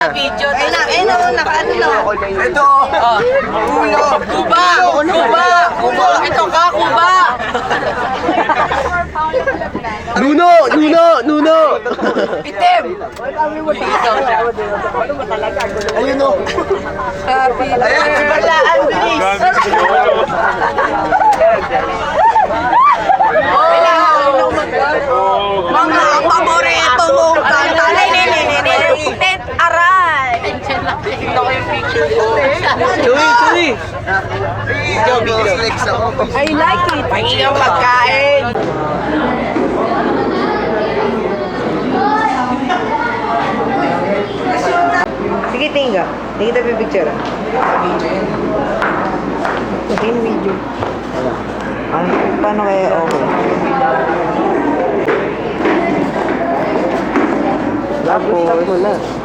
Video. Naka-ano na. Ito. Ulo. Kuba! Kuba! Ito ka, Kuba! Nuno! Itim! Ayun o. Ayan, balaan, bilis! Mga paborito mong kanta. Tet aray! Ito ko yung picture ko. Chuy! Ikaw, biggest legs ako. I like it. Pahiyang pagkain. Sige, tingga. Hindi kita pipicture. Ito yung video. Paano kaya okay? Tapos,